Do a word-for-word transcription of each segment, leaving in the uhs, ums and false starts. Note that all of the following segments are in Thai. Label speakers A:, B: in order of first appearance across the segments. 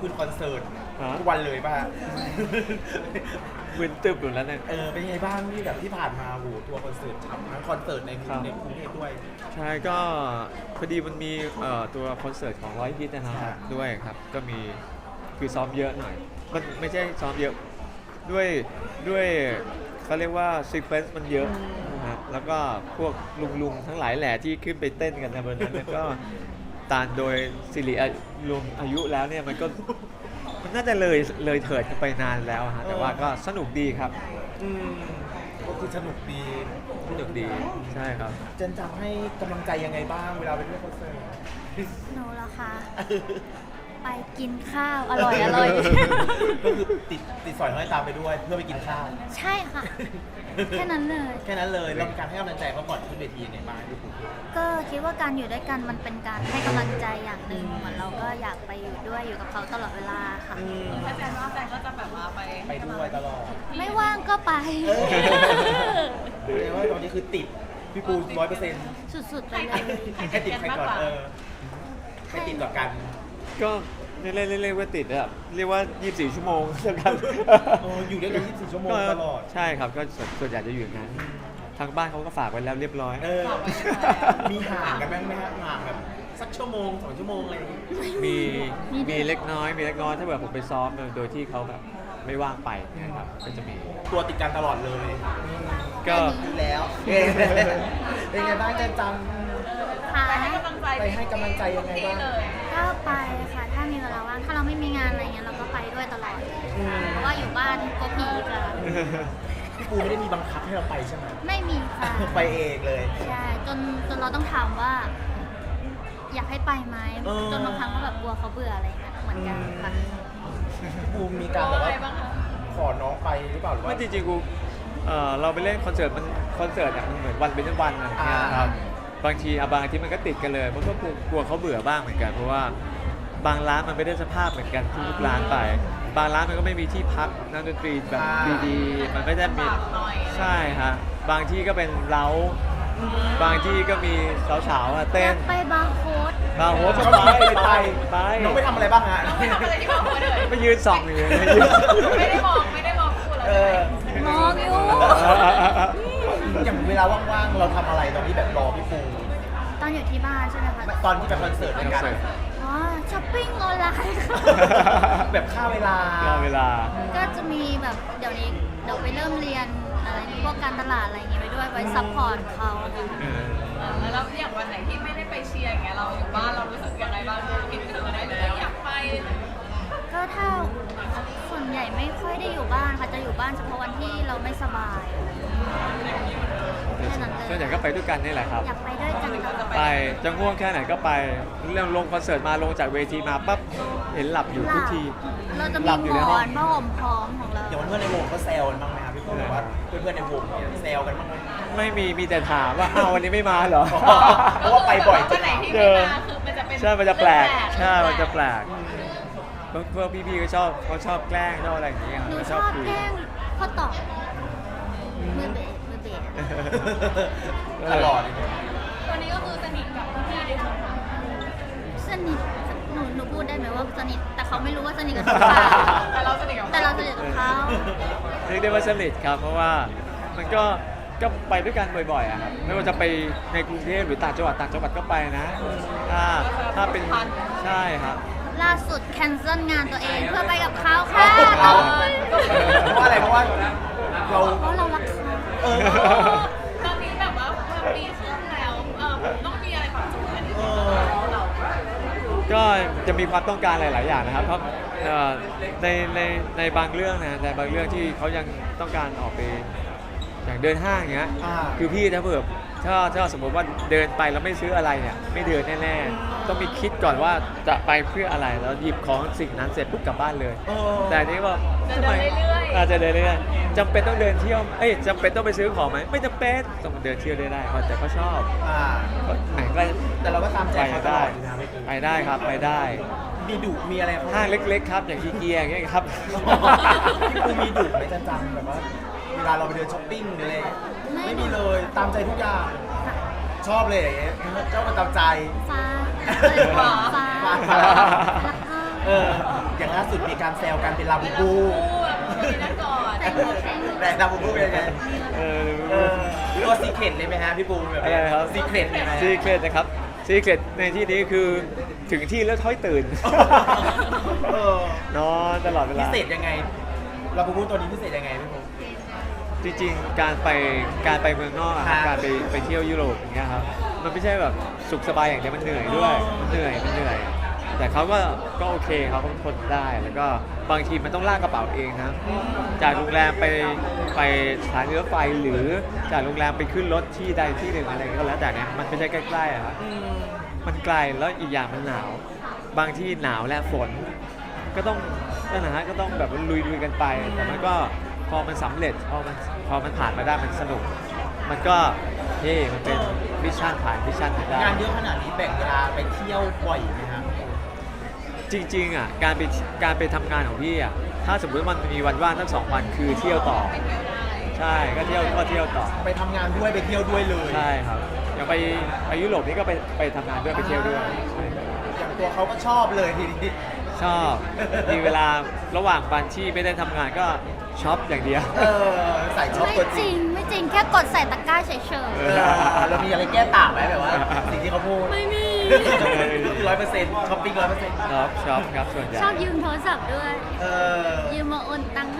A: คืนคอนเสิร์ต
B: ฮะ
A: ทุกวันเลยป่ะฮะ
B: วินตึบอยู่แล้วเนี่ย
A: เออเป็นไงบ้างที่แบบที่ผ่านมาโหทัวร์คอนเสิร์ตทั้งคอนเสิร์ตในกรุ
B: ครั
A: ง
B: บ
A: ในกรุงเทพด้วย
B: ใช่ก็พอดีมันมีเอ่อตัวคอนเสิร์ตของร้อยฮิตนะค
A: ครั
B: รับบ ด้วยครับก็มีคือซ้อมเยอะหน่อยมันไม่ใช่ซ้อมเยอะด้วยด้วยเขาเรียกว่าซีเควนซ์มันเยอะนะฮะแล้วก็พวกลุงๆทั้งหลายแหล่ที่ขึ้นไปเต้นกันในบนนั้นเนี่ยก็ตามโดยสิริอายุรวมอายุแล้วเนี่ยมันก็มันน่าจะเลยเลยเถิดกันไปนานแล้วฮะแต่ว่าก็สนุกดีครับ
A: อืมก็คือสนุกดี
B: สนุกดีใช่ครับ
A: เจนจำให้กำลังใจยังไงบ้างเวลาไปเล่นคอนเสิร์ต
C: หนูเหรอคะ ไปกินข้าวอร่อยอร่อย
A: ก็คือติดติดสอยห้อยตามไปด้วยเพื่อไปกินข้าว
C: ใช่ค่ะ แค่นั้นเลย
A: แค่นั้นเลยแล้วการให้กำลังใจเขาก่อนขึ้นเวทียังไงบ้างพี่ปุ๊ก
C: ก็คิดว่าการอยู่ด้วยกันมันเป็นการให้กำลังใจอย่างหนึ่งเหมือนเราก็อยากไปอยู่ด้วยอยู่กับเขาตลอดเวลาค่ะ
A: อืม
D: ถ้าแฟนว่าแฟนก็จะแบบว่าไป
A: ไปด้วยตลอด
C: ไม่ว่างก็ไป
A: เออ แสดงว่าตอนนี้คือติดพี่ปูร้อยเปอร์เซ็นต์
C: สุดๆไปเลย
A: ใครติดใครก่อนเออใครติดต่อกัน
B: ก็เรียกเรียกเรียกว่าติดอะเรียกว่า ยี่สิบสี่ ชั่วโมงแล้วกัน
A: เอออยู่ด้วยกันยี่สิบสี่ชั่วโมงตลอด
B: ใช่ครับก็ส่วนส่วนใหญ่จะอยู่อย่างนั้นทางบ้านเขาก็ฝากไว้แล้วเรียบร้อย
A: เออ มีห่างกันบ้างไหมฮะห่างแบบสักชั่วโมงสองชั่วโมงอะไรอย่างงี้
B: มี
C: มีด้วย
B: มีเล็กน้อยมีเล็กน้อยถ้าแบบผมไปซ้อมโดยที่เขาแบบไม่ว่างไปนะครับก็จะมี
A: ตัวติดกันตลอดเลย
B: ก็
A: ดีแล้วเออเป็นไงบ้างเจนจัง
C: ค่ะ
D: ไปให้กำลังใจ
A: ไปให้กำลังใจยังไงบ้าง
D: เลย
C: ก็ไปค่ะ ถ้ามีเวลาว่าง ถ้าเราไม่มีงานอะไรเงี้ยเราก็ไปด้วยตลอด เพราะว่าอยู่บ้านก็ผีค่ะ
A: พี่ปูไม่ได้มีบังคับให้เราไปใช่ไหม
C: ไม่มีค่ะ
A: ไปเองเลย
C: ใช่ จนจนเราต้องถามว่า อยากให้ไปไหม
A: เออ
C: จนบางครั้งก็แบบกลัวเขาเบื่ออะไรเงี้ยเหมือนกันค่ะ
A: พี่ปูมีการแบบว่าขอน้องไปหรือเปล่าหรือว่า
B: ไม่จริงๆกูเอ่อเราไปเล่นคอนเสิร์ตมันคอนเสิร์ตเนี่ยมันเหมือนวันเป็นวันอะไรอย่างเงี้ย
A: อ่า
B: ครับบางทีอ่ะบางอาทีมันก็ติดกันเลยมันก็กลัวกลัวเขาเบื่อบ้างเหมือนกันเพราะว่าบางร้านมันไม่ได้สภาพเหมือนกันทุกร้านไป บางร้านมันก็ไม่มีที่พักนักดนตรีแบบดีๆ มันไม่ได้มีใช่ฮะบางที่ก็เป็นเล้าบางที่ก็มีสาวๆอ่ะ
C: อ
B: เต้
C: ยาน กไปบาร์โค้ด
B: บางโฮส
A: ก็
B: ก็ไป
A: ไป
B: ไป
A: ไป
B: ไป
A: น้องไปทำอะไรบ้างฮะ
D: น้องไปทำอะไรที่บอกเขาเลย
B: ไปยืนส่องอยู่ไม่ยืน
D: ไม่ได้มองไม่ได้มองคู่เรา
A: เอ
D: เล
A: อย
C: มองอยู่
A: อย่างเวลาว่างๆเราทำอะไรตอนที่แบบรอพี่ปู
C: ตอนอยู่ที่บ้านใช่ไหมคะ
A: ตอนที่ไปคอนเสิร์ตด้วยกัน
C: อ๋อ ช้อปปิ้งออนไลน์ค่ะ
A: แบบค่าเวลา
B: รอเวลา
C: ก็จะมีแบบเดี๋ยวนี้เดี๋ยวไปเริ่มเรียนอะไรพวกการตลาดอะไรอย่างเงี้ยไปด้วยไว้ซัพพอร์ตเขาค่ะ
B: เออ
D: เออแล้วอย่างวันไหนที่ไม่ได้ไปเชียร์อย่างเงี้ยเราอยู่บ้านเรารู้สึกยังไงบ้างคิดถึงอะไรหรืออยากไป
C: ก็ถ้าส่วนใหญ่ไม่ค่อยได้อยู่บ้านค่ะจะอยู่บ้านเฉพาะวันที่เราไม่สบายแค่นั้นเล
B: ส่วนใหญ่
C: ย
B: ก็ไปด้วยกันนี่แหละครับ
C: อยากไปด้วยกันตลอด
B: ไปจะง่วงแค่ไหนก็ไปเรื่องลงคอนเสิร์ตมาลงจากเวทีมาปั๊บเห็นหลับอยู่ทุกที
C: เราจะ
B: ห
C: มี
B: ลับอยู่
C: หม
B: ในห้
C: อ
B: อง
C: นผ้าห่มพร้อมของเรา
A: อย่างเพื่อนๆในวงก็แซวกันบ้างไหมครับพี่ปูแบบว่าเพื่อนๆในวงเนี่ยแซวกันบ้างไหม
B: ไม่มีมีแต่ถามว่าอ้าววันนี้ไม่มาเหรอ
A: เพราะว่าไปบ่อยจ
D: วัน
A: น
D: ไหน
A: ถาม
D: ที่ไม่มาคือมันจะเป็น
B: ใช่มันจะแปลกใช่
D: เรื่อง
B: มันจะแปลกพวกพวกพี่ๆก็ชอบเขาชอบแกล้งชอบอะไรอย่างเงี้ย
C: หนู
B: เขา
C: ช
B: ช
C: อ
B: อ
C: บบ
B: คุย
C: แกล้งข้อต่อมือเบสมือเบส
A: ตลอด
D: ตอนนี้ก็คือสนิทกับพี่ๆในวง
C: สนิทหนูหนูพูดได้ไหมว่าสนิทแต่เขาไม่รู้ว่าสนิทกับหนูเปล่า
D: แต่เราสนิทกับ
C: แต่เราสนิทกับเขา
B: เรียกได้ว่าสนิทครับเพราะว่ามันก็ก็ไปด้วยกันบ่อยๆอะครับไม่ว่าจะไปในกรุงเทพหรือต่างจังหวัดต่างจังหวัดก็ไปนะถ้าถ้าเป็นใช่ครับ
C: ล่าสุดแคนเซิลงานตัวเองเพื่อไปกับเขาค่ะ
A: เอาเพราะว่าอะไรเพราะว่าเรา
C: เพราะเรารักเขา
A: เออ
D: ตอนนี้แบบว่าพอปีครึ่งแล้วเออต้องมีอะไรปรับจูนกัน
A: เออ
D: เรา
B: ก็จะมีความต้องการหลาย ๆ อย่างนะครับเพราะเอ่อในในในบางเรื่องนะในบางเรื่องที่เขายังต้องการออกไปอย่างเดินห้างอย่างเงี้ย
A: อ่า
B: คือพี่ถ้าเผื่อถ้าถ้าสมมติว่าเดินไปแล้วไม่ซื้ออะไรเนี่ยไม่เดินแน่ ๆ ต้องมีคิดก่อนว่าจะไปเพื่ออะไรแล้วหยิบของสิ่งนั้นเสร็จปุ๊บกลับบ้านเลย
A: เออ
B: แต่อันนี้ว่า
D: จะเดินเรื่อยๆ
B: อาจจะเดินเรื่อยๆจำเป็นต้องเดินเที่ยวเอ้ยจำเป็นต้องไปซื้อของไหมไม่จำเป็นต้องเดินเที่ยวได้ได้แต่เขาชอบ
A: อ่า
B: ไหนก็
A: แต่เราก็ตามใจ
B: ไป
A: เขาตล
B: ได้
A: อดอยู่นะพี่ปู
B: ไปได้ครับไปได้
A: มีดุมีอะไรเขา
B: ห้างเล็ก ๆ ครับ อย่างอีเกียอย่างเงี้ยครับ
A: พี่ปูมีดุไหมจันจังแบบว่าเวลาเราไปเดินช้อปปิ้งหรืออะไรอย่างเงี้ยไม่มีเลยตามใจทุกอย่าง ชอบเลยอย่างเงี้ยชอบมาตามใจ
C: ฟ้า
A: ฟ้า
C: ฟ้า
A: ฟ้า
C: แล้วก็
A: เอออย่างล่าสุดมีการแซวกันเป็นลาบูบู
D: คู่แบบนี้นั่นก่อน
C: แต่งตัวเท่
A: แต่ลาบูบูเป็นยังไง
B: เออ
A: เออตัวซีเครตเลยไหมฮะพี่ปูแบบ
B: อะไรครับ
A: ซีเครตเลยไหม
B: ซีเครตนะครับซีเครตในที่นี้คือถึงที่แล้วค่อยตื่น
A: เออน
B: อนตลอดเว
A: พิ
B: ลา
A: เศษยังไงลาบูบูตัวนี้พิเศษยังไงพี่ปู
B: จริงๆ การไปการไปเมืองนอกอะครับ
A: ครับ
B: การไปไปเที่ยวยุโรปอย่างเงี้ยครับ มันไม่ใช่แบบสุขสบายอย่างเดียวมันเหนื่อยด้วย มันเหนื่อย มันเหนื่อย แต่เขาก็ก็โอเคเขาก็ทนได้ แล้วก็บางทีมันต้องลากกระเป๋าเองนะ จากโรงแรมไปไปสถานีรถไฟหรือจากโรงแรมไปขึ้นรถที่ใดที่หนึ่งอะไรก็แล้วแต่เนี่ยมันไม่ใช่ใกล้ๆอะครับ
A: อืม
B: มันไกลแล้วอีกอย่างมันหนาว บางที่หนาวและฝน ก็ต้องนั่นนะฮะก็ต้องแบบลุยลุยๆกันไป แต่มันก็พอมันสำเร็จพอมันพอมันผ่านมาได้มันสนุก มันก็เฮ้มันเป็นมิชชั่นผ่านมิชชั่นไปได้
A: งานเยอะขนาดนี้แบ่งเวลาไปเที่ยวบ่อยไหมครับ
B: จริงๆอ่ะการไปการไปทำงานของพี่อ่ะถ้าสมมติมันมีวันว่างทั้งสองวันคือเที่ยวต่อ ใช่ก็เที่ยวก็เที่ยวต่อ
A: ไปทำงานด้วยไปเที่ยวด้วยเลย
B: ใช่ครับอย่างไปไปยุโรปนี่ก็ไปไปทำงานด้วยไปเที่ยวด้วยใช่ครับ
A: อย่างตัวเขาก็ชอบเลยทีนี้
B: ชอบมีเวลาระหว่างวันที่ไม่ได้ทำงานก็ช็อปอย่างเดียว
A: เออใส่ชอบ
C: ไม่
A: ตัว
C: จ
A: จ
C: ริ
A: ริ
C: ง
A: ง
C: ไม่จริงแค่กดใส่ตะกร้าเฉย
A: เออเรามีอะไรแก้ต่างไหมแบบว่า สิ่งที่เขาพูด
C: ๆ ไม่มี
A: ร้อยเปอร์เซ็นต์ช้อปปิ้งร้อยเปอร์เซ็นต์
B: ช็อปช็อปครับส่วนใหญ่
C: ชอบยืมโทรศัพท์ด้วย
A: เออ
C: ยืมมาโอนตังค์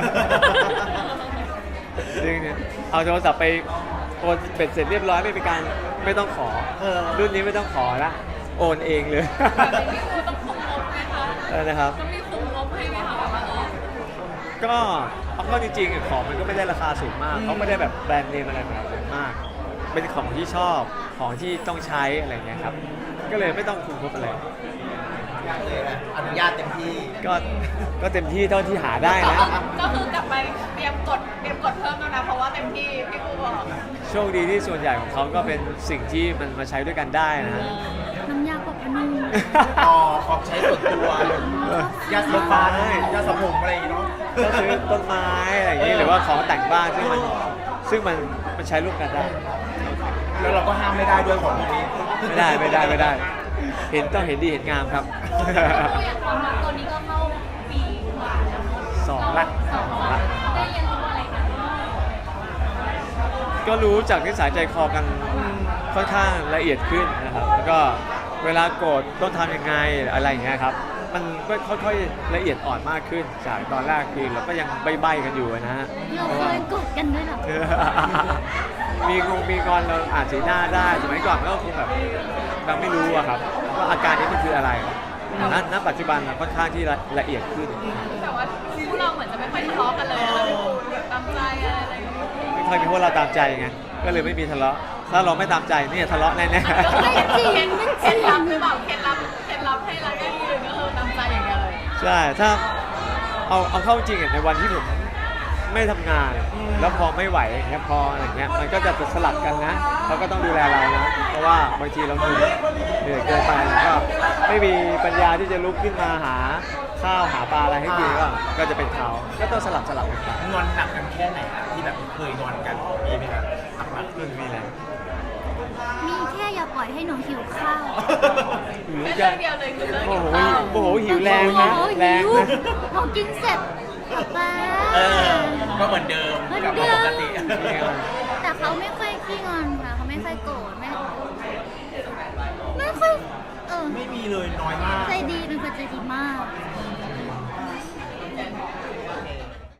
B: จริงเนี่ยเอาโทรศัพท์ไปโอนเป็ดเสร็จเรียบร้อยไม่มีการไม่ต้องขอ
A: เออ
B: รุ่นนี้ไม่ต้องขอละโอนเองเลย
D: แบบนี้พี่ปูต้องคุมงบไหมคะ
B: เออนะครับ
D: ต้องมีคุมงบให้ไหมคะแบบว่าเออ
B: ก็เอาเข้าจริงๆของมันก็ไม่ได้ราคาสูงมากเขาไม่ได้แบบแบรนด์เนมอะไรแบบนั้นมาก เป็นของที่ชอบของที่ต้องใช้อะไรเงี้ยครับก็เลยไม่ต้องคุมงบอะไร
A: เลยนะอนุญาตเต็มที่
B: ก็ก็เต็มที่เท่าที่หาได้นะ
D: ก็คือกลับไปเตรียมกดเตรียมกดเพิ่มแล้วนะเพราะว่าเต็มที่พี่ปูบอก
B: โชคดีที่ส่วนใหญ่ของเขาก็เป็นสิ่งที่มันมาใช้ด้วยกันได้นะฮะ
C: น้ำยาปรับผ้านุ่ม
A: ต่อของใช้ส่วนตัวยาสีฟันยาสระผมอะไรอย่างงี้เนาะ
B: ก็ซื้อต้นไม้อะไรอย่างนี้หรือว่าของแต่งบ้านซึ่งมันซึ่งมันมันใช้ร่วมกันได้
A: แล้วเราก็ห้ามไม่ได้ด้วยของพวกนี้
B: ไม่ได้ไม่ได้ไม่ได้ เห็นต้องเห็นดีเห็นงามครับ
D: ตัวอย่างความรักตัวนี้ก็เข้าปีกว่าแล้วเนอะ
B: สองละ
D: สอง
B: สอง
D: ละ
B: ละ
D: ได้เรียนรู้อะไรกันบ้าง
B: ก็รู้จากนิสัยใจคอกันค่อนข้างละเอียดขึ้นนะครับ แล้วก็เวลาโกรธต้องทำยังไงอะไรอย่างเงี้ยครับ มันก็ค่อยๆละเอียดอ่อนมากขึ้นจากตอนแรกคือเราก็ยังใบ้ๆกันอยู่นะฮะ
C: เรา
B: เพราะ
C: เค
B: ว่า
C: ยกดกันด้วยเหรอ
B: มีงงมีงอนเราอ่านสีหน้าได้สมัยก่อนมันก็คงแบบเราไม่รู้อะครับว่าอาการนี้มันคืออะไรณณปัจจุบันเราค่อนข้างที่ละละเอียดขึ้น
D: แต่ว่าคู่เราเหมือนจะไม่ค่อยทะเลาะกันเลยนะพี่ปูแบบตามใจอะไรอย่างเงี้ย
B: ไม่ค่อยมีพวกเราตามใจไงก็เลยไม่มีทะเลาะถ้าเราไม่ตามใจเนี่ยทะเลาะแน่
C: ไม่จริงไม่จ
D: เคล็
C: ริ
D: ด
C: ง
D: ลับหรือเปล่าเคล็ดลับเคล็ดลับให้รักยั่งยืนก็คือตามใจอย่างเดียวเลย
B: ๆใช่ถ้าเอาเอาเข้าจริงอะในวันที่ผมไม่ทำงาน แล้วพอไม่ไหวอย่างเงี้ยพออะไรเงี้ยมันก็จะสลับกันนะเขาก็ต้องดูแลเรานะเพราะว่าบางทีเราเหนื่อยเหนื่อยเกินไปแล้วก็ไม่มีปัญญาที่จะลุกขึ้นมาหาข้าวหาปลาอะไรให้กินก็ก็จะเป็นเขาก็ต้องสลับสลับกันไป
A: งอนหนักกันแค่ไหนครับที่แบบเคยงอนกันมีไหมครับหนัก
B: ไม่มีแล้ว
C: มีแค่อย่าปล่อยให้หนูหิวข้าว
B: หรือ
D: แค่
B: จะ
D: เรื่องเดียวเลยคือเรื่อง
B: โอ้
D: กิน
B: โห
D: ข้าว
B: โอ้โหหิวแรงนะ
C: โอ้โห
B: แรง
C: หิว
B: นะ
C: พอกินเสร็จป๊า
A: ๆเออก็เหมือนเดิม
C: เหมือน
A: กลับ
C: เดิ
A: มาม ปกติ
C: แต่เขาไม่ค่อยขี้งอนค่ะเขาไม่ค่อยโกรธไม่ไม่ค่อยเออ
A: ไม่มีเลยน้อยมาก
C: ใจดีเป็นคนใจดีมาก
A: อ